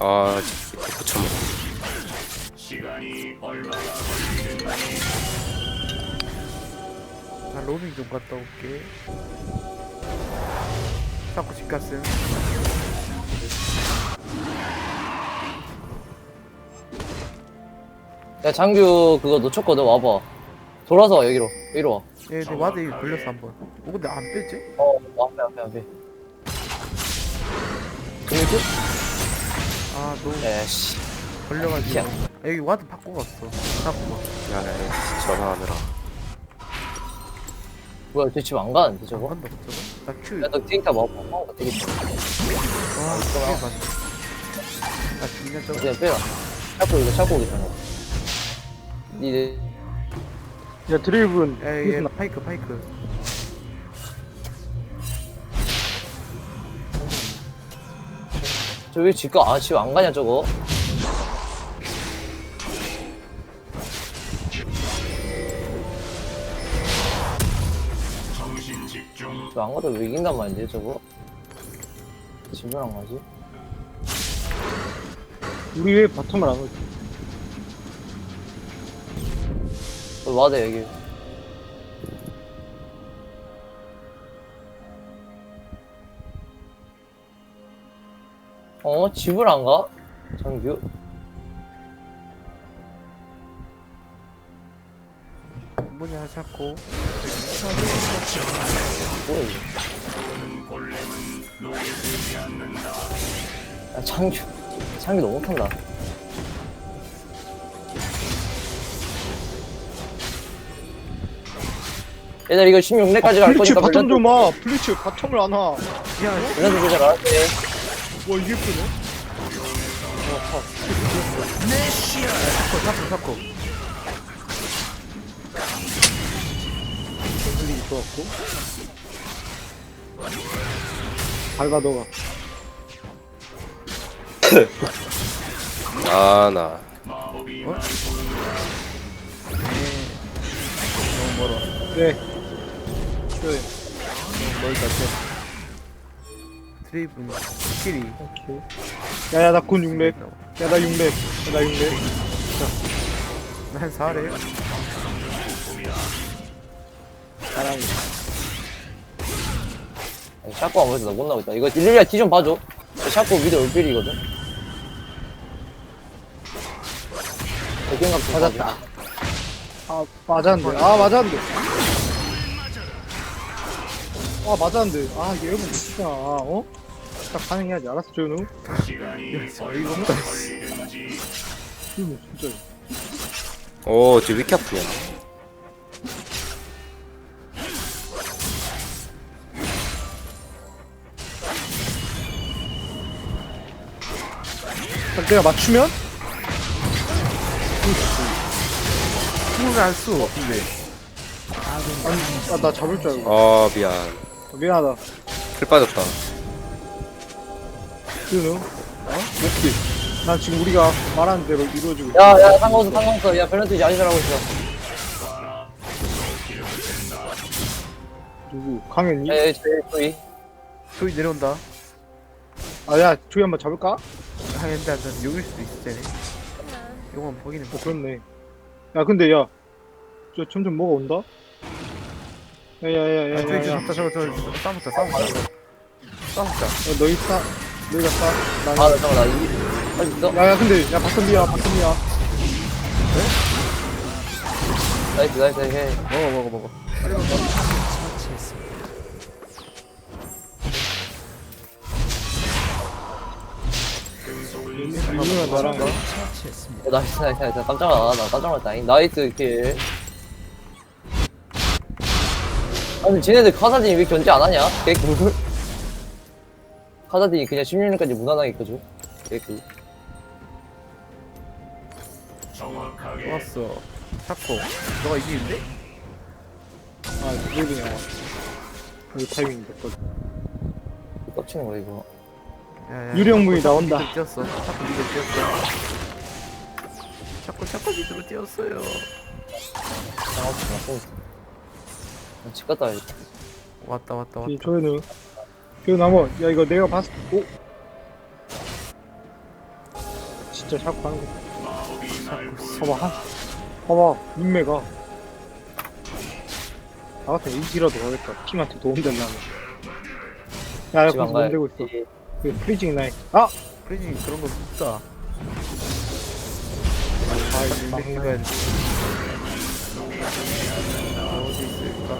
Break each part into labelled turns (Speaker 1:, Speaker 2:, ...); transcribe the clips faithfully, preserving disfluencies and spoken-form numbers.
Speaker 1: 아 밑에 붙여먹.
Speaker 2: 나 로밍 좀 갔다 올게. 자꾸 집 갔음.
Speaker 3: 야 장규 그거 놓쳤거든. 와봐. 돌아서 와 여기로. 여기로 와.
Speaker 2: 얘, 내 와드 여기 걸렸어 한 번. 어 근데 안 빼지?
Speaker 3: 어 앞에 앞에 앞에. 그니까?
Speaker 2: 아 너무
Speaker 3: 에씨.
Speaker 2: 걸려가지고.
Speaker 3: 야.
Speaker 2: 아, 여기 와드 바꿔 갔어. 바꿔.
Speaker 1: 야 전화하느라.
Speaker 3: 뭐야 쟤 집 안 가는데
Speaker 2: 안
Speaker 3: 저거?
Speaker 2: 간다 저거. 나 Q.
Speaker 3: 야너 데이터 먹어. 어 되겠다.
Speaker 2: 와 이게 맞네. 나 죽냐 저거.
Speaker 3: 그냥 빼라. 찾고 이거 찾고 오겠잖아. 니네
Speaker 4: 야 드리븐
Speaker 2: 야얘 파이크 파이크.
Speaker 3: 저왜 집가 아집 안 가냐 저거? 저 안 가도 왜 이긴단 말인데 저거? 집을 안 가지?
Speaker 4: 우리 왜 바텀을 안 오지?
Speaker 3: 너 와대 여기. 어? 집을 안 가? 장규?
Speaker 2: 뭐냐 자꾸.
Speaker 3: 뭐야 이거? 야 장규 장규 너무 못한다. 얘들 이거 십육 렙까지 갈
Speaker 4: 플리츠
Speaker 3: 거니까
Speaker 4: 바텀 좀 와. 플리츠 바텀을 안 와.
Speaker 2: 야
Speaker 3: 밸런스 조절 알았지?
Speaker 4: 와 이게 크네.
Speaker 2: 자꾸 자꾸 자꾸.
Speaker 4: 흘리기 좋았고. 밟아 너가.
Speaker 1: 아나
Speaker 2: 어? 너무 멀어.
Speaker 4: 네. 그래.
Speaker 2: 멀다 쟤. 드레이븐 스킬이.
Speaker 4: 오케이. 야야 나 곧 육 렙. 야나 육 렙. 야나 육 렙.
Speaker 2: 난 사래요.
Speaker 4: 사랑해.
Speaker 3: 샤코 안 보여서 나 못 나오겠다. 이거 일리아 뒤 좀 봐줘. 샤코 미드 올빌이거든. 백경감
Speaker 4: 맞았다. 아 맞았는데. 아 맞았는데. 아 맞았는데. 아 얘 여러분 진짜 어? 딱 반응해야지. 알았어 조현우.
Speaker 2: 야 이거 없다.
Speaker 4: 조현우 진짜.
Speaker 1: 오쟤 왜 이렇게 아프냐.
Speaker 4: 딱 내가 맞추면?
Speaker 2: 힘을 안 써. 근데.
Speaker 4: 아니 아, 나 잡을 줄 알고.
Speaker 1: 아 미안.
Speaker 4: 어, 미안하다.
Speaker 1: 풀 빠졌다.
Speaker 4: 조현우. 어? 몇개 난 지금 우리가 말하는 대로 이루어지고 있어.
Speaker 3: 야야 상관없어 상관없어. 야 밸런스 이제 아니라고 있어.
Speaker 4: 누구? 강현이?
Speaker 3: 야 여기 저기 저기.
Speaker 2: 소리 내려온다.
Speaker 4: 아야 조이 한번 잡을까?
Speaker 2: 아 근데 안 여길 수도 있어 쟤네. 이건 보기는
Speaker 4: 어 그렇네. 야 근데 야, 저 점점 뭐가 온다?
Speaker 2: 아 저기
Speaker 4: 야야야야야야.
Speaker 2: 저기 저기 저기 저기 싸움부터 싸움부터 싸움부터.
Speaker 4: 야 너희 싸, 너희가 싸.
Speaker 3: 아,
Speaker 4: 나.
Speaker 3: 나 잠깐 나 이. 할 수 있어?
Speaker 4: 야야 근데 야 바텀이야 바텀이야.
Speaker 3: 나이스 나이스 해.
Speaker 2: 먹어 먹어 먹어.
Speaker 4: 이누나 나랑 가.
Speaker 3: 어, 나이스 나이스 나이스. 깜짝 놀라. 나 깜짝 놀랐다. 나이스 킬. 아니 쟤네들 카사딘이 왜 견제 안 하냐? 개꿀. 카사딘이 그냥 십육 년까지 무난하게 켜줘. 개꿀.
Speaker 2: 좋았어. 자꾸. 너가 이기는데?
Speaker 4: 아 드리블이 나와. 이 타이밍 됐거든.
Speaker 3: 빡치는 거야 이거.
Speaker 2: 야야.
Speaker 4: 유령문이 나온다.
Speaker 2: 미들 뛰었어. 자꾸 미들 뛰었어. 자꾸 자꾸 미들로 뛰었어요.
Speaker 3: 상관없어 나 쏘고. 집 갔다 와야겠다.
Speaker 2: 왔다 왔다 왔다.
Speaker 4: 이 조현우. 조현우 한번. 야 이거 내가 봤을. 오. 진짜 자꾸 하는 거. 봐봐, 한, 봐봐, 인매가. 나 같은 이지라도 가겠다. 팀한테 도움 되려면. 야, 야,
Speaker 3: 지금
Speaker 4: 거기서
Speaker 3: 안
Speaker 4: 몸 대고 있어.
Speaker 3: 가야지.
Speaker 4: 그 프리징 나이. 아!
Speaker 2: 프리징 그런 거 없다.
Speaker 4: 아,
Speaker 2: 아,
Speaker 4: 이거
Speaker 2: 이거
Speaker 4: 막
Speaker 2: 해야 돼. 어디 있을까?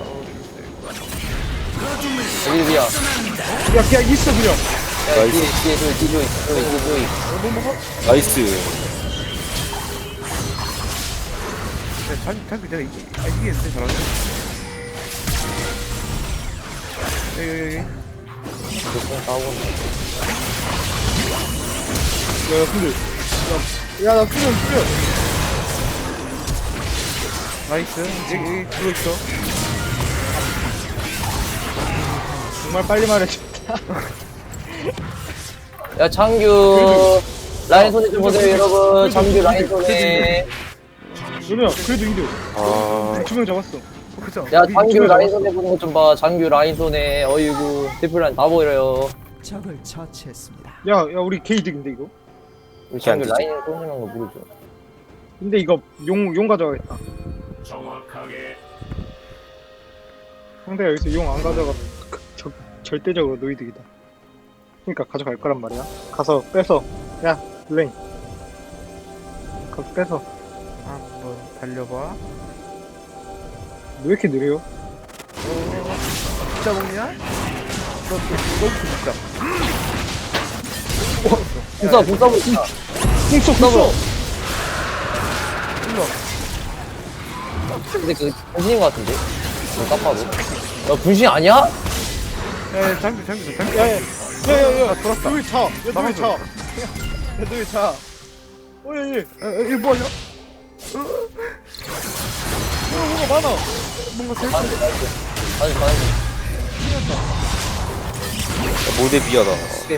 Speaker 2: 어디 있을까?
Speaker 3: 여기 위야.
Speaker 4: 야, 그냥 있어, 그냥.
Speaker 3: 야,
Speaker 1: 나이스.
Speaker 3: 뒤에, 뒤에, 조이, 뒤에, 조이, 조이, 조이, 조이.
Speaker 4: 뭐 먹어?
Speaker 1: 나이스.
Speaker 2: 야, 장, 장비 내가 이기, 아, 이기겠는데, 잘하네. 여기, 여기, 여기.
Speaker 3: 무슨 싸우고
Speaker 4: 야, 근데. 야, 야, 나 수면, 수면.
Speaker 2: 나이스. 여기, 여기 들어있어.
Speaker 4: 정말 빨리 말해줬다.
Speaker 3: 야, 장규. 라인 손에 좀 보세요, 여러분. 장규 라인 손에.
Speaker 4: 누나야, 그래도 이득.
Speaker 1: 아,
Speaker 4: 두 명 잡았어.
Speaker 2: 어, 그쵸?
Speaker 3: 야,
Speaker 2: 우리
Speaker 3: 장규
Speaker 2: 이쪽에
Speaker 3: 라인
Speaker 2: 잡았어.
Speaker 3: 손에 보는 것 좀 봐. 장규 라인 손에. 어이구. 디플라인 다 보여요.
Speaker 5: 적을 처치했습니다.
Speaker 4: 야, 야, 우리 개 이득인데, 이거?
Speaker 3: 우리
Speaker 1: 이렇게 안
Speaker 3: 장규
Speaker 1: 되지.
Speaker 3: 라인 손이라는 거 모르죠.
Speaker 4: 근데 이거 용, 용 가져가겠다. 상대가 여기서 용 안 가져가면 그- 저, 절대적으로 노이득이다. 그러니까 가져갈 거란 말이야. 가서 뺏어. 야, 블레인. 가서 뺏어.
Speaker 2: 한번 달려봐.
Speaker 4: 왜 이렇게 느려?
Speaker 2: 어, 진짜 먹냐? 너, 너, 너무 진짜.
Speaker 3: 궁싸, 궁싸 보자.
Speaker 4: 궁쏘, 궁쏘!
Speaker 2: 일로 와.
Speaker 3: 근데 그 분신인 것 같은데? 어, 딱 봐도. 야, 분신 아니야?
Speaker 2: 야, 야, 장비, 장비, 장비.
Speaker 4: 야, 야, 야, 야, 야,
Speaker 2: 아, 돌았다.
Speaker 4: 너왜 차? 야, 너왜
Speaker 2: 나가서.
Speaker 4: 차? 야, 너왜 차? 어, 야, 야, 야,
Speaker 2: 야, 야, 이거 뭐하냐?
Speaker 4: 뭐가 많아.
Speaker 2: 뭔가 셀
Speaker 3: 가는 중, 가는 중. 가는 중, 가는 중.
Speaker 1: 모델 비하다.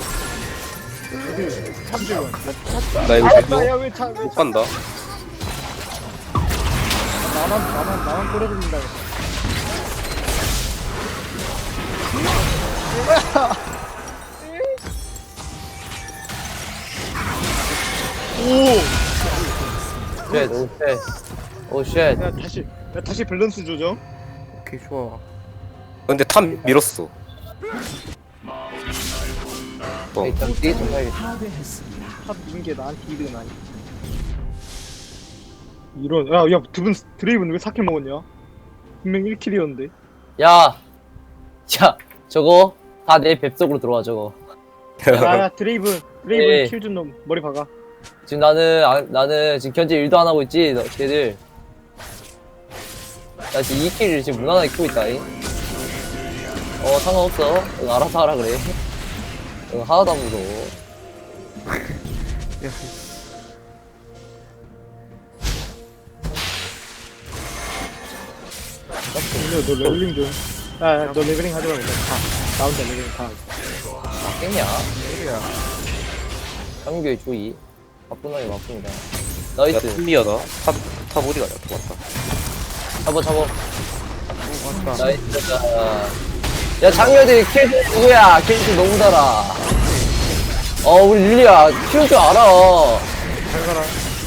Speaker 4: 참지원.
Speaker 1: 나 이거
Speaker 4: 아,
Speaker 1: 계속
Speaker 4: 야, 왜 차? 왜
Speaker 1: 못
Speaker 4: 차?
Speaker 1: 간다.
Speaker 4: 나만, 나만, 나만 끌어들인다. 오!
Speaker 3: 쉣, 오, 쉣. 오, 쉣.
Speaker 4: 야, 다시, 야, 다시 밸런스 조정.
Speaker 2: 오케이, 좋아.
Speaker 1: 근데 탑 밀었어. 어,
Speaker 3: 일단 뒤에 좀 봐야겠다.
Speaker 5: 파괴했습니다.
Speaker 4: 탑 민게 나한테 이득은 아니. 이런, 야, 야, 두분 드레이브는 왜 사킬 먹었냐? 분명 일 킬이었는데.
Speaker 3: 야! 야, 저거 다 내 뱃속으로 들어와, 저거.
Speaker 4: 야, 야, 드레이브, 드레이브
Speaker 3: 예.
Speaker 4: 킬 준 놈 머리 박아.
Speaker 3: 지금 나는, 아, 나는 지금 견제 일도 안 하고 있지, 너, 걔들. 나 지금 이 킬을 지금 무난하게 키고 있다잉. 어, 상관없어. 너 알아서 하라 그래. 너 하나도 안 무서워.
Speaker 2: 야,
Speaker 4: 근데 너 레벨링 좀. 야, 야, 너 레벨링 하지 말고. 가. 나 혼자 레벨링 가.
Speaker 3: 아, 깼냐?
Speaker 2: 소리야.
Speaker 3: 장교의 주의. 바쁘나게 바쁩니다.
Speaker 1: 야,
Speaker 3: 나이스.
Speaker 1: 탑미하다. 탑, 탑 어디가 야 도왔다.
Speaker 3: 잡아, 잡아.
Speaker 2: 오, 왔다.
Speaker 3: 나이스. 야, 장교들 킬수 누구야? 킬수 너무 달아. 어, 우리 릴리야. 키울 줄 알아.
Speaker 2: 잘 가라.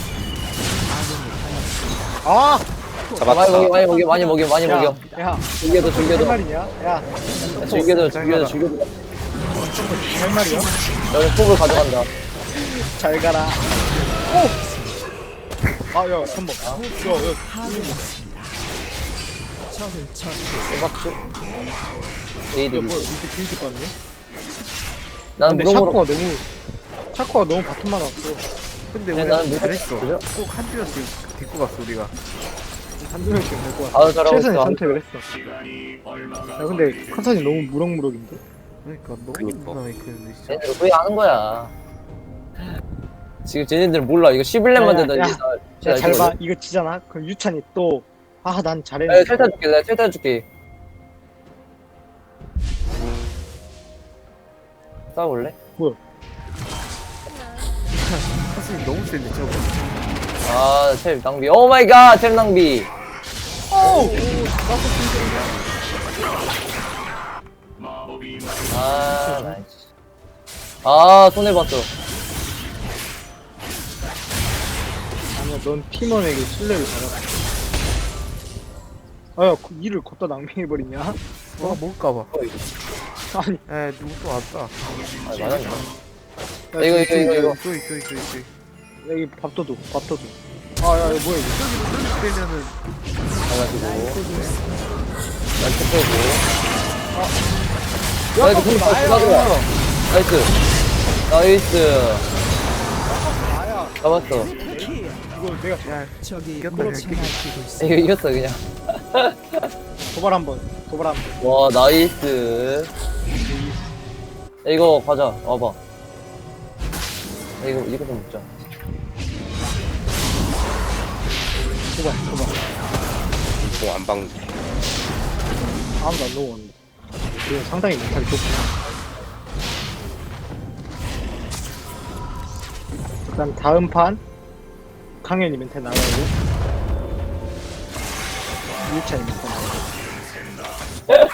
Speaker 4: 아!
Speaker 3: 많이 먹여,
Speaker 1: 잡았다.
Speaker 3: 많이 먹여, 많이 먹여, 많이
Speaker 4: 야,
Speaker 3: 먹여.
Speaker 4: 야,
Speaker 3: 즐겨도,
Speaker 4: 할
Speaker 3: 즐겨도.
Speaker 4: 말이냐? 야,
Speaker 3: 야, 즐겨도, 즐겨도, 즐겨도.
Speaker 4: 할 말이야?
Speaker 3: 너는 톱을 가져간다.
Speaker 4: 잘 가라. 오! 아, 야, 한 번. 야, 야,
Speaker 5: 적을 처치.
Speaker 3: 대박주.
Speaker 4: 야,
Speaker 3: 에이드.
Speaker 4: 뭐야, 이렇게 길게 빠네?
Speaker 3: 나는
Speaker 4: 근데
Speaker 3: 무덤으로.
Speaker 4: 샤코가 너무, 샤코가 너무 바텀만 왔어.
Speaker 2: 근데
Speaker 3: 네,
Speaker 2: 우리
Speaker 3: 나는 못
Speaker 2: 잘했어.
Speaker 3: 그죠?
Speaker 2: 꼭 한 줄씩 데리고 갔어, 우리가.
Speaker 4: 한두 명씩 될것 같아.
Speaker 3: 아유, 잘하고
Speaker 4: 최선의
Speaker 3: 있어.
Speaker 4: 선택을 했어. 야, 근데 컨선이 너무 무럭무럭인데?
Speaker 2: 그러니까 너무
Speaker 1: 그러니까.
Speaker 2: 무난하게 크는데 진짜.
Speaker 3: 쟤네들 후회하는 거야. 지금 쟤네들 몰라. 이거 십일 렘만
Speaker 4: 야,
Speaker 3: 되다.
Speaker 4: 야,
Speaker 3: 이제
Speaker 4: 야,
Speaker 3: 나-
Speaker 4: 잘
Speaker 3: 이거-
Speaker 4: 봐. 이거 지잖아? 그럼 유찬이 또, 아, 난
Speaker 3: 야,
Speaker 4: 잘했는데.
Speaker 3: 텔타 줄게. 내가 텔타 줄게. 싸울래?
Speaker 2: 사실 너무 센데 저거.
Speaker 3: 아, 텔 낭비. 오 마이 갓, 텔 낭비.
Speaker 4: 오!
Speaker 3: 아, 나이스. 아, 손해봤어.
Speaker 4: 넌 팀원에게 신뢰를 받았어. 아야, 그 일을 걷다 낭비해버리냐?
Speaker 2: 어 먹을까봐.
Speaker 4: 아니,
Speaker 2: 에 누구 또 왔다.
Speaker 3: 아 맞았나?
Speaker 4: 야,
Speaker 3: 이거 이거 이거 이거
Speaker 2: 또 있어 있어 있어.
Speaker 4: 여기 밥도 줘, 밥도 줘. 아, 야, 이거 뭐야, 이거.
Speaker 2: 되면은
Speaker 3: 가가지고 날개 빼고 야 이거 불 나야 나이스 나이스
Speaker 4: 나야.
Speaker 3: 잡았어
Speaker 4: 이거 내가
Speaker 2: 야
Speaker 5: 적이
Speaker 2: 이겼다,
Speaker 5: 물을
Speaker 2: 이겼다.
Speaker 5: 지나치고 있습니다.
Speaker 3: 이거 이겼어 그냥
Speaker 4: 도발 한 번, 도발 한 번.
Speaker 3: 와 나이스 야, 이거 가자 와봐 야, 이거 이거 좀 먹자
Speaker 4: 도발, 도발.
Speaker 1: 뭐안 박는.
Speaker 4: 아무도 안 넘어왔는데. 이거 상당히 멘탈이 좋구나. 그다음 다음 판 강현이 멘탈 나가고 유찬이 멘탈 나가고.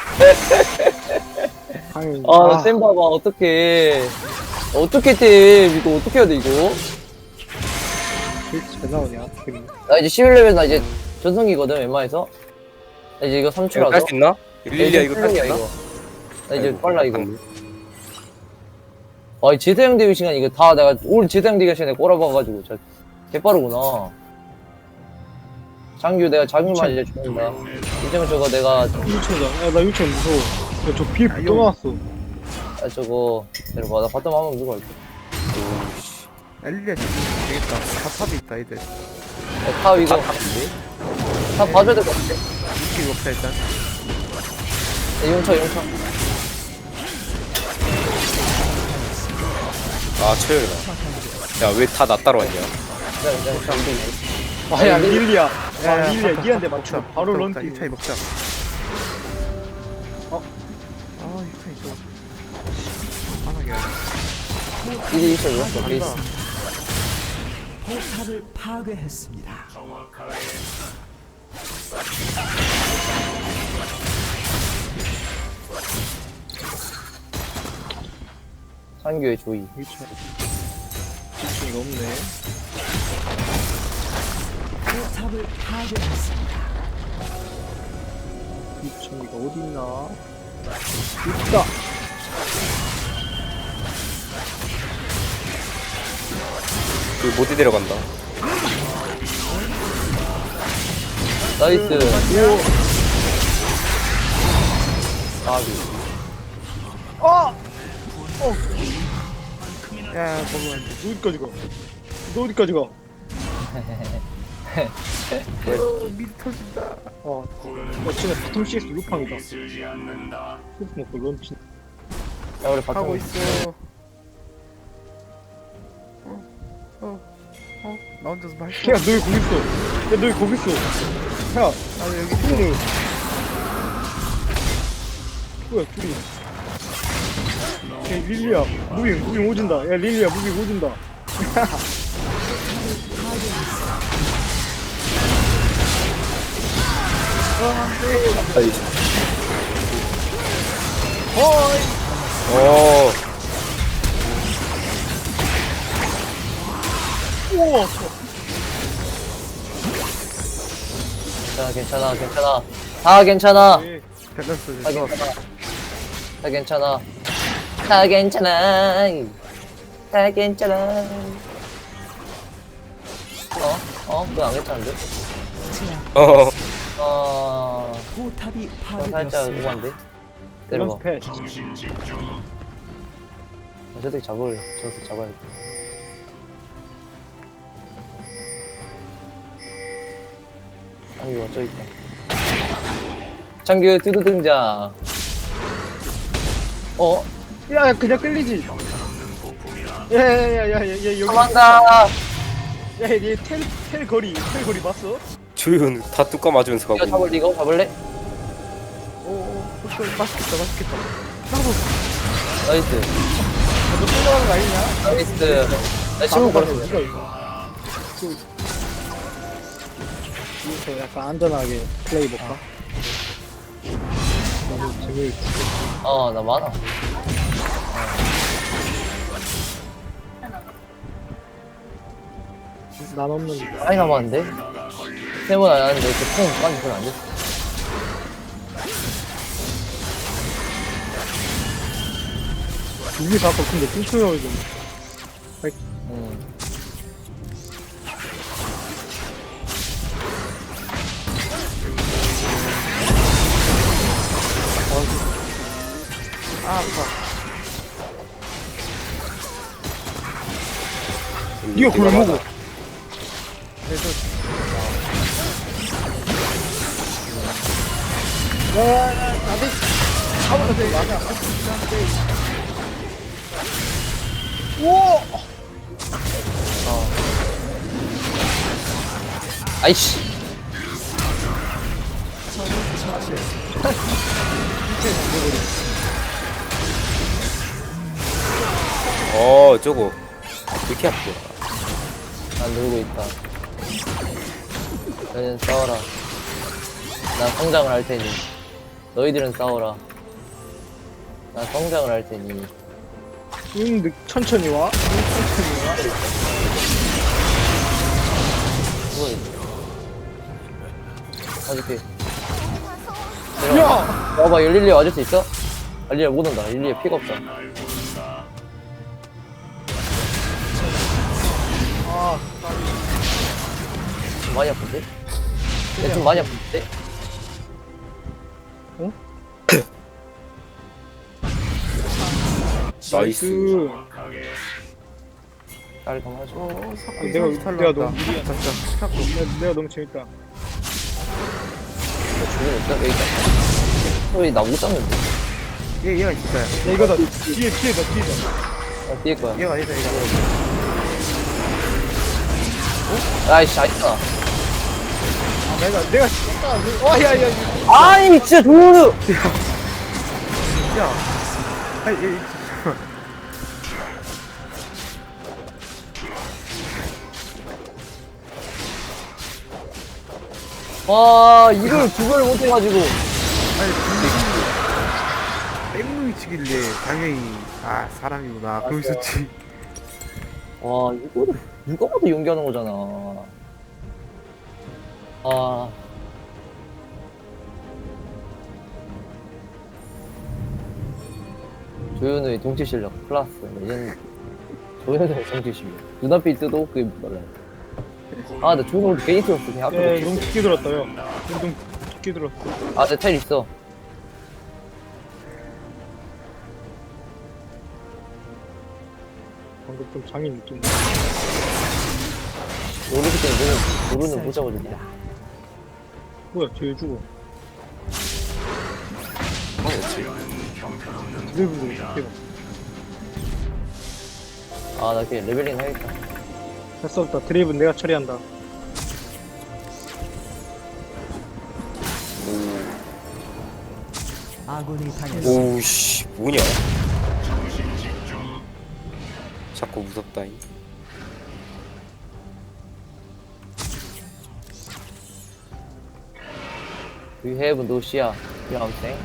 Speaker 4: 강현이.
Speaker 3: 아쌤 봐봐 어떡해 어떻게 팀 이거 어떻게 해야 돼 이거
Speaker 4: 도대체 왜 나오냐? 괜히.
Speaker 3: 나 이제 십일 레벨 나 이제 전성기거든 웬만해서 나 이제 이거 삼
Speaker 1: 이거
Speaker 3: 초라서
Speaker 1: 딸 수 있나? 릴리아 이거 딸 수 있나?
Speaker 3: 나 이제
Speaker 1: 아이고,
Speaker 3: 빨라 이거
Speaker 1: 안-
Speaker 3: 아, 이 제대형 대회 시간 이거 다 내가 올 제대형 대회 시간에 꼬라박아가지고 진짜 개빠르구나. 장규 내가 장규만 이제 죽는다. 이제는 저거 내가
Speaker 4: 유찬이다. 야, 나 유찬 무서워. 야, 저 비에
Speaker 2: 아,
Speaker 4: 또
Speaker 2: 용.
Speaker 4: 나왔어.
Speaker 3: 아 저거 내려봐 나 바텀 한번 누고 갈게.
Speaker 2: 엘리야 지금 되겠다. 다 탑이 있다 이들.
Speaker 3: 야, 탑 이거 탑 봐줘야 될 것 같아.
Speaker 2: 이렇게 없다 일단.
Speaker 3: 야, 용차 용차.
Speaker 1: 아 최열이다. 야왜 다 나 따라왔냐?
Speaker 3: 그냥 그냥 그냥 우리
Speaker 4: 아, 야, 릴리아.
Speaker 2: 야,
Speaker 4: 아,
Speaker 2: 야,
Speaker 4: 릴리아,
Speaker 2: 밥,
Speaker 4: 니한테
Speaker 2: 밥
Speaker 4: 맞추고
Speaker 2: 먹자.
Speaker 4: 바로
Speaker 2: 먹자,
Speaker 4: 런
Speaker 2: 먹자.
Speaker 4: 뛰고.
Speaker 2: 유차이 먹자.
Speaker 4: 어?
Speaker 2: 아 유차이 좀 안하게 하네.
Speaker 3: 일이 있어 이었어 베이스.
Speaker 2: 간다.
Speaker 5: 포탑을 파괴했습니다.
Speaker 3: 상규의 조이.
Speaker 4: 유찬. 유찬이가 없네.
Speaker 5: 포탑을 파괴했습니다.
Speaker 4: 유찬이가 어딨나? 있다!
Speaker 1: 그 모디 데려간다.
Speaker 3: 나이스. 아비.
Speaker 4: 아!
Speaker 2: 야 먹으면 안 돼.
Speaker 4: 너 어디까지 가? 너 어디까지 가?
Speaker 2: 어, 미리 터진다.
Speaker 4: 어, 어, 진짜 바텀 씨엑스 루팡이다. 스프 먹고 런치.
Speaker 3: 야 우리
Speaker 2: 하고
Speaker 3: 바텀.
Speaker 2: 있어. 어, 어, 어, 나 혼자서 말.
Speaker 4: 야, 너 왜 거기 있어? 야, 너 왜 거기 있어? 야,
Speaker 2: 아 여기 있어.
Speaker 4: 둘이. 뭐야, 둘이. 야, 릴리야, 무빙, 무빙 오진다. 야, 릴리야, 무빙 오진다.
Speaker 1: 아이.
Speaker 4: 어이!
Speaker 1: 어.
Speaker 4: 우와!
Speaker 3: 괜찮아 괜찮아 괜찮아. 다 괜찮아.
Speaker 4: 예.
Speaker 2: 밸런스
Speaker 3: 다
Speaker 2: 됐어.
Speaker 3: 괜찮아. 다 괜찮아. 다 괜찮아. 다 괜찮아. 어? 어? 그거 안 괜찮은데?
Speaker 5: 제압.
Speaker 1: 어.
Speaker 3: 어...
Speaker 5: 포탑이
Speaker 3: 그건 살짝
Speaker 5: 파괴되었습니다.
Speaker 3: 우한데? 내려봐.
Speaker 4: 밸런스 패.
Speaker 3: 저새끼 잡을, 저새끼 잡아야겠다. 장규가 저있다. 장규 두두 등장. 어?
Speaker 4: 야, 야, 그냥 끌리지. 야, 야, 야, 야, 야, 야, 여기.
Speaker 3: 도망가!
Speaker 4: 야, 얘 텔, 텔 거리, 텔 거리 봤어?
Speaker 1: 조윤 다 뚜까 맞으면서 가고
Speaker 3: 이거
Speaker 1: 있네.
Speaker 3: 잡을, 이거 잡을래?
Speaker 2: 오, 오, 맛있겠다, 맛있겠다.
Speaker 3: 나이스.
Speaker 4: 너 쏠려가는 거 아니냐?
Speaker 3: 나이스. 나 신문 걸었어.
Speaker 4: 이거, 이거. 여기서 약간 안전하게 플레이 볼까? 너무 재미있어.
Speaker 3: 어, 나 많아.
Speaker 4: 난 없는데.
Speaker 3: 많이 남았는데? 세 번 안 하는데 이렇게 퐁까지 별로 안 됐어.
Speaker 4: 여기서 아까 근데 뚱뚱하게 좀.
Speaker 3: 응.
Speaker 2: 아 아파.
Speaker 4: 니가 그걸 먹어.
Speaker 2: 그래서 야야야 나도 아무도 돼. 맞아.
Speaker 3: 아이씨.
Speaker 1: 어 저거 이렇게 아프구나.
Speaker 3: 난 놀고 있다. 너희는 싸워라. 난 성장을 할 테니. 너희들은 싸워라. 난 성장을 할 테니.
Speaker 4: 응, 느- 천천히 와. 응, 천천히 와.
Speaker 3: 그거 가줄게.
Speaker 4: 야!
Speaker 3: 봐봐, 릴리아 와줄 수 있어? 아, 릴리아 못 온다. 릴리아 피가 없다.
Speaker 4: 아,
Speaker 3: 좀 많이 아픈데? 얘 좀 많이 아픈데?
Speaker 1: 나이스.
Speaker 4: 그,
Speaker 3: 딸 감아줘.
Speaker 2: 어 자꾸
Speaker 4: 아, 내가-
Speaker 2: 이상한
Speaker 4: 내가
Speaker 2: 탈락한다.
Speaker 4: 너무 무리야.
Speaker 2: 진짜 자꾸
Speaker 4: 내가, 내가 너무 재밌다.
Speaker 3: 죽음 있다? 여기 있다. 어, 얘나못 잡는데?
Speaker 2: 얘 얘가 진짜야.
Speaker 4: 야, 이거다. 뒤에, 뒤에다, 뒤에다.
Speaker 3: 어, 뛸 거야.
Speaker 2: 얘가 아니다 얘가.
Speaker 3: 아이씨, 아있다.
Speaker 4: 아, 내가, 내가 진짜. 와, 야, 야, 야.
Speaker 3: 아이, 진짜 도르!
Speaker 2: 야. 아니 얘.
Speaker 3: 와, 이걸 두 번을 못해가지고.
Speaker 2: 아니 근데 뺑뺑이 치길래 당연히 아 사람이구나 그러고 있었지.
Speaker 3: 와, 이거를 누가 봐도 연기하는 거잖아. 아. 조현우의 동체 실력 플러스 레전드. 조현우의 동체 실력. 눈앞에 있어도 그게 몰라요. 아, 나 조현우 괜히 들었어. 그냥 앞에
Speaker 4: 야,
Speaker 3: 놓고
Speaker 4: 너무 깊게 들었다, 야. 너무 깊게 들었어.
Speaker 3: 아, 내 텔 있어.
Speaker 4: 방금 좀 장인 느낌.
Speaker 3: 모르기 때문에 모르는, 모르는 못 잡아준다.
Speaker 4: 뭐야, 뒤에 죽어.
Speaker 1: 어,
Speaker 4: 드래블도 깊게 가.
Speaker 3: 아, 나 그냥 레벨링 하겠다.
Speaker 4: 할수 없다. 드레이브는 내가 처리한다.
Speaker 5: 아군이 당했습니다.
Speaker 1: 오우씨 뭐냐? 자꾸 무섭다잉.
Speaker 3: We have no 시야. You know what I'm saying?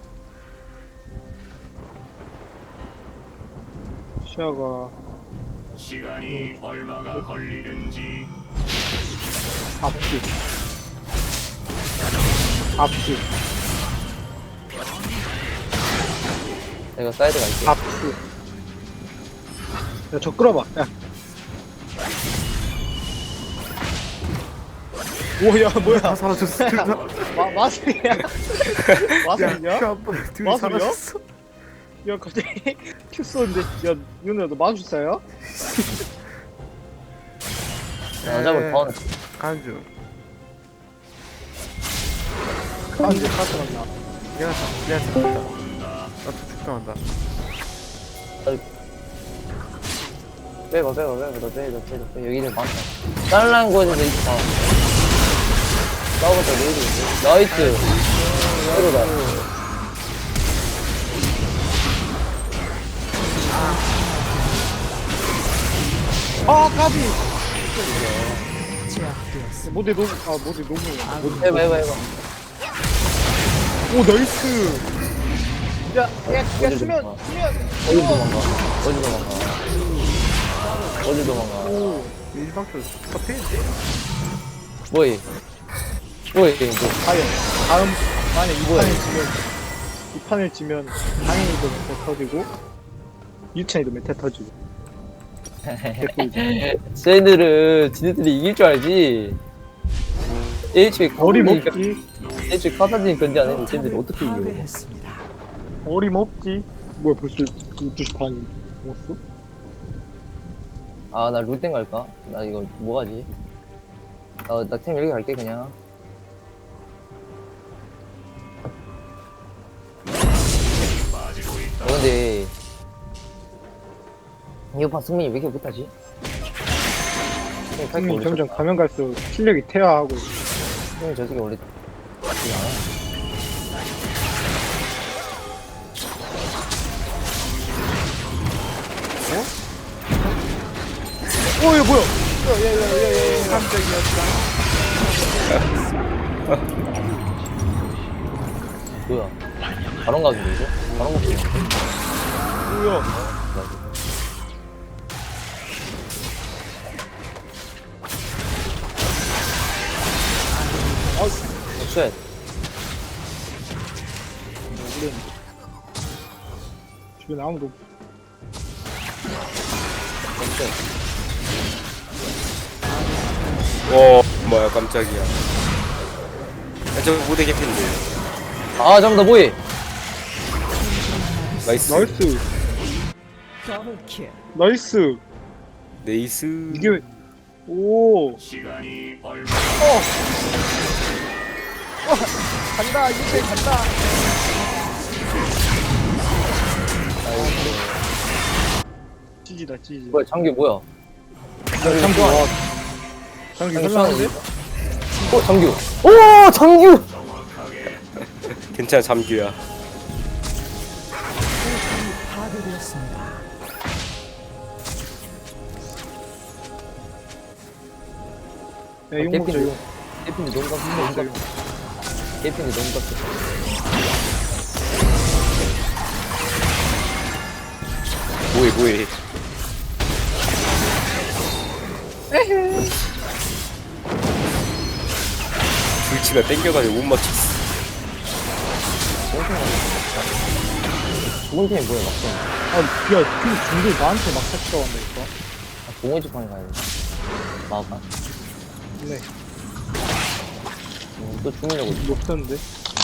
Speaker 4: 시야가.
Speaker 6: 시간이 얼마가 걸리는지
Speaker 4: 앞뒤. 앞뒤.
Speaker 3: 내가 사이드 갈게.
Speaker 4: 앞뒤. 야, 저 끌어봐. 야. 오야 뭐야?
Speaker 2: 다 사라졌어. 둘 다.
Speaker 4: 마 마술이야? 마술이야?
Speaker 2: 야, 한번 둘이
Speaker 4: 마술이야?
Speaker 2: 사라졌어.
Speaker 4: 야 갑자기 큐 쏘는데 야 윤우야 너 마술사야?
Speaker 3: 나 잡을 번.
Speaker 2: 간주.
Speaker 4: 아 이제 카트 갔나?
Speaker 2: 내가 사, 내가 죽다. 나도 죽당한다.
Speaker 3: 빼봐, 빼봐, 빼봐. 너 빼, 너 빼, 너 빼. 여기는 많다. 잘난 곳에서 있다. 싸우겠다, 레이드. 나이스. 새로다.
Speaker 4: 아 까비!
Speaker 5: 제압되었습니다.
Speaker 4: 모델 너무 아 모델 너무
Speaker 3: 해봐, 해봐, 해봐.
Speaker 4: 오 나이스! 야야야
Speaker 3: 어딜
Speaker 4: 수면
Speaker 3: 도망가.
Speaker 4: 수면
Speaker 3: 어디 도망가. 어디 도망가. 어디 도망가.
Speaker 4: 오
Speaker 2: 일방적으로 스타페인데?
Speaker 3: 뭐해? 뭐해? 뭐.
Speaker 4: 과연 다음 만에 이
Speaker 3: 뭐야?
Speaker 4: 판을 지면 이 판을 지면 당연히도 메타 터지고 유찬이도 메타 터지고 개꿀이지.
Speaker 3: 쟤들은 지네들이 이길 줄 알지. 애초에
Speaker 4: 어림없지.
Speaker 3: 애초에 카사딘 건지 안 했는데 쟤들이 어떻게 이겨?
Speaker 5: 파괴했습니다.
Speaker 4: 어림없지. 뭐야 벌써 열두 시 반이 넘었어?
Speaker 3: 아, 나 룰땡 갈까? 나 이거 뭐 하지? 나, 나템 여기 갈게, 그냥. 어, 근데, 이거 봐, 승민이 왜 이렇게 못하지? 승민이 팔
Speaker 4: 승민이
Speaker 3: 원래
Speaker 4: 점점
Speaker 3: 좋다.
Speaker 4: 가면 갈수록 실력이 퇴화하고 있어.
Speaker 3: 승민이 저 새끼 원래 나쁘지 않아.
Speaker 4: 어 이거 뭐야? 야야야야야
Speaker 3: 뭐야? 바론 가는데, 이거? 바론 먹지 마.
Speaker 4: 뭐야?
Speaker 3: 어, 쉣.
Speaker 4: 주변에 아무도 없-
Speaker 3: 어, 쉣.
Speaker 1: 와 뭐야 깜짝이야. 야, 저 무대 개핀데.
Speaker 3: 아, 잠깐만, 나 뭐해?
Speaker 1: 나이스.
Speaker 4: 나이스
Speaker 5: 더블킬.
Speaker 4: 나이스
Speaker 1: 네이스.
Speaker 4: 이게 왜- 오
Speaker 6: 시간이 얼마
Speaker 4: 간다 이제 간다. 찌지다 찌지.
Speaker 3: 뭐야, 장기 뭐야?
Speaker 4: 장기 와. 장기
Speaker 3: 장기
Speaker 4: 설랑한데?
Speaker 3: 어, 장규. 오, 장규!
Speaker 1: 괜찮아 잠규야.
Speaker 5: 파괴되었습니다.
Speaker 4: 야 이거 먹자 이거.
Speaker 3: 깨핀이 너무 깜짝 너무 깜짝 깨핀이 너무 깜짝
Speaker 1: 뭐해 뭐해. 불치가 땡겨가지고 못 맞췄어.
Speaker 3: 좋은 팀이 뭐야, 막상.
Speaker 4: 아야 그 중들 나한테 막 찾다 왔다니까.
Speaker 3: 아, 동호회집 방에 가야 돼. 마가.
Speaker 4: 네
Speaker 3: 음, 또 죽으려고. 있어.
Speaker 4: 높던데.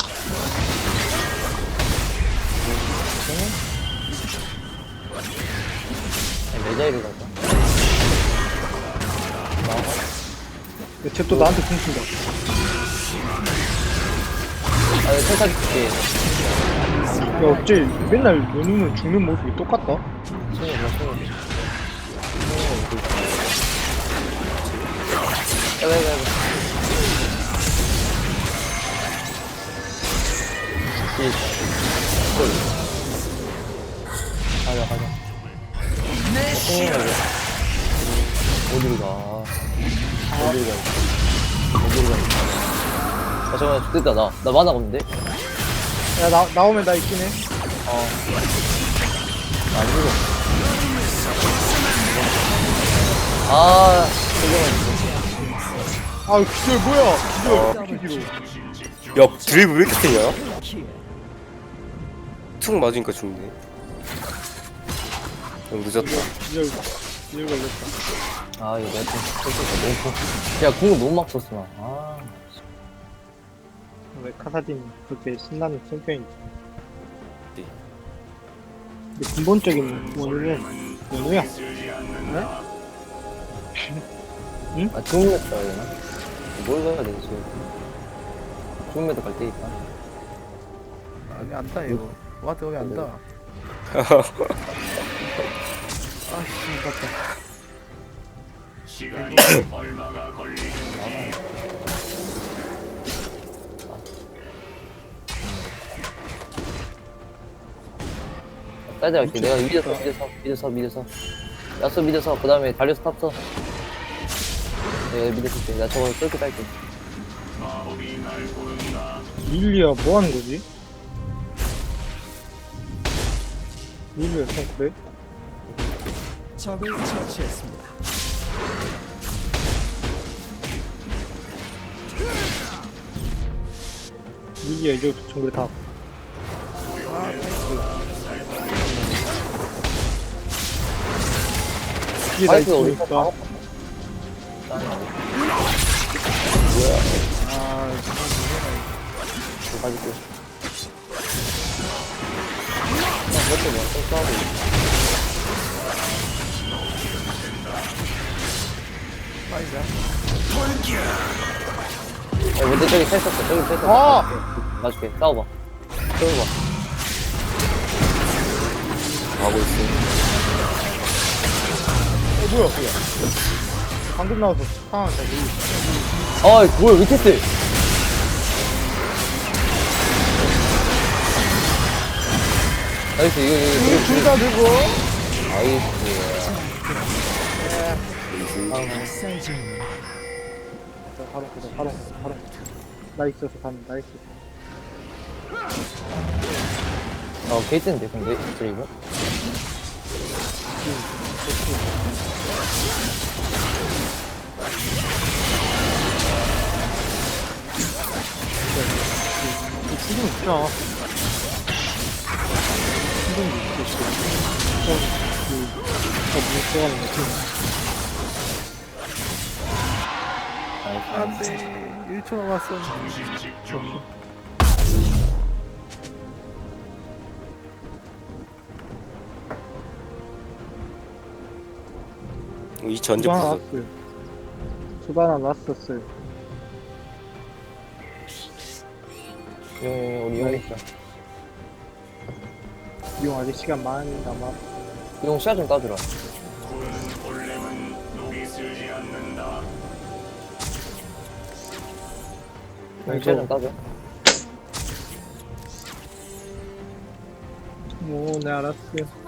Speaker 3: 아니, 메자이를 갈까?
Speaker 4: 쟤또 나한테 숨친다.
Speaker 3: 아, 내가 탈타지 줄게.
Speaker 4: 야 어째 맨날 연우는 죽는 모습이 똑같다.
Speaker 3: 승리 몰라, 승리. 야, 야, 야, 야. 뒤에 있다. 헐. 가자, 가자. 승리 가자. 어디로 가? 어디로 가? 어디로 가? 아, 잠깐만, 됐다, 나. 나 만화가 없는데?
Speaker 4: 야 나 나오면 나 있긴 해.
Speaker 3: 어. 안 죽어. 아, 잠깐만.
Speaker 4: 아 기절 뭐야? 기절 피기로.
Speaker 1: 야 드리블 왜 이렇게 세냐?
Speaker 5: 킬.
Speaker 1: 툭 맞으니까 죽네. 너무 늦었다.
Speaker 4: 기절 기절 걸렸다.
Speaker 3: 아, 이거 내가 좀, 너무, 야, 궁을 너무 막 썼어, 나. 아.
Speaker 4: 왜 카사딘 그렇게 신나는 챔피언이지?
Speaker 1: 네.
Speaker 4: 근데 근본적인 원인은 연우야.
Speaker 3: 아, 좋은 맵 가야 되나? 뭘 가야 되지? 좋은 맵도 갈 테니까.
Speaker 2: 아니 안다 이거. 와드 여기 안다. 아씨 맞다.
Speaker 6: 시간이 얼마가 걸리는지
Speaker 3: 따자 갈게. 내가 미드서, 미드서, 미드서, 미드서. 야수 미드서, 그 다음에 달려서 탑서. 내가 미드 쓸게. 나 저거 쏠게 딸게.
Speaker 6: 마법이 날 부른다.
Speaker 4: 릴리아 뭐 하는 거지? 릴리아 좀 그래?
Speaker 5: 적을 처치했습니다.
Speaker 4: 이기야 이제 정글 다. 뒤에 나
Speaker 3: 파이트가 우리
Speaker 4: 있으니까.
Speaker 3: 거
Speaker 4: 아,
Speaker 3: 가지고. 아, 몇대 뭐, 좀 싸우고. 야, 근데 저기 서 있었어. 저기 서 있었어.
Speaker 4: 아!
Speaker 3: 놔줄게. 싸워봐. 싸워봐.
Speaker 1: 하고 있어.
Speaker 4: 어, 뭐야, 뭐야. 방금 나와서 상황 잘 모르겠어.
Speaker 3: 아, 뭐야, 위테스. 나이스, 이거, 이거, 이거.
Speaker 4: 둘다 들고.
Speaker 3: 나이스.
Speaker 5: 사이즈는
Speaker 4: 바로, 바로, 바로, 바로. 나 있어서 가는, 나 있어.
Speaker 3: 어, 게이트인데, 근데, 드레이브?
Speaker 4: 지금 있잖아. 지금 있어. 어, 그, 어, 뭐, 들어가는 거
Speaker 3: 나이스.
Speaker 2: 안돼 일 초 남았어.
Speaker 6: 정신 집중.
Speaker 1: 이 전제
Speaker 4: 수바 하나
Speaker 1: 부서.
Speaker 4: 났어요. 수바 하나 났었어요.
Speaker 3: 용, 용, 우리 용 있자.
Speaker 4: 이용 아직 시간 많이 남아.
Speaker 3: 용 시야 좀 따주라.
Speaker 6: 구는 본래는 녹이 쓰지 않는다.
Speaker 3: 용 시야 좀 따줘.
Speaker 4: 오, 네, 알았어요.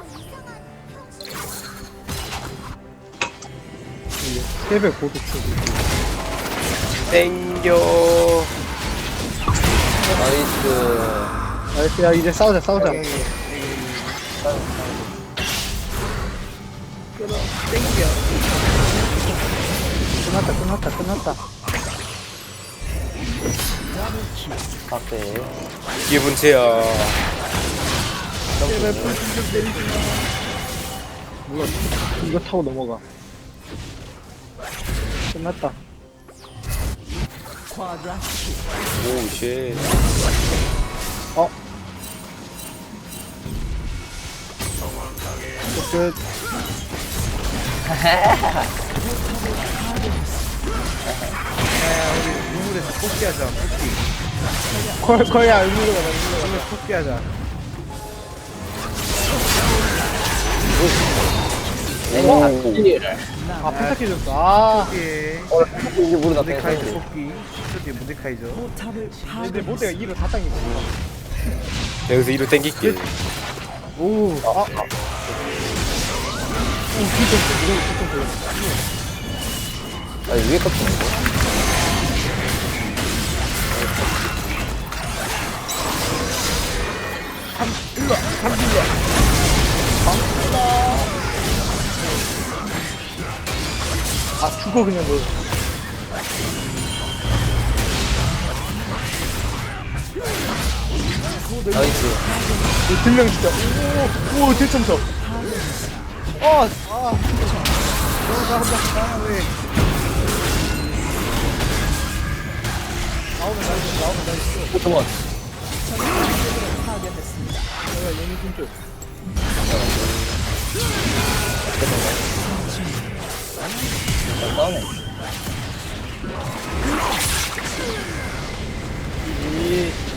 Speaker 4: 세배 고도 추구.
Speaker 1: 땡겨.
Speaker 3: 나이스.
Speaker 4: 나이스, 야, 이제 싸우자, 싸우자. 끝났다, 끝났다, 끝났다.
Speaker 3: 박대.
Speaker 1: 기분 제야.
Speaker 4: 몰라, 이거 타고 넘어가. 끝났다.
Speaker 5: 쿼드라
Speaker 1: 오, 쉣.
Speaker 4: 어? 끝.
Speaker 2: 야 우리 우물에서 뽑기하자. 뽑기.
Speaker 4: 거, 거야, 의미로 가자, 의미로 가자.
Speaker 2: 우물 뽑기하자.
Speaker 4: 아, 부탁해줬어. 아,
Speaker 2: 뽑기.
Speaker 3: 이제 모르다
Speaker 2: 모데카이저
Speaker 3: 뺐어.
Speaker 2: 뽑기. 스튜디오 모데카이저.
Speaker 5: 포탑을
Speaker 4: 근데 모대가
Speaker 5: 파괴했습니다.
Speaker 4: 이로 다 당기고.
Speaker 1: 여기서 이로 땡길게.
Speaker 4: 오, 아, 아. 오, 진짜, 이거 진짜.
Speaker 3: 아, 위에 cấp
Speaker 4: 아, 죽어, 그냥 너.
Speaker 3: 나이스.
Speaker 4: 들명 진짜. 오, 오, 대청소. 어, 아.
Speaker 2: 너무 잘한다. 아 왜?
Speaker 4: 나오면 나이스, 나오면 나이스.
Speaker 3: 포토몬.
Speaker 5: 파괴했습니다.
Speaker 4: 야, 얘네 진짜.
Speaker 3: 잘 싸우네.
Speaker 4: 이,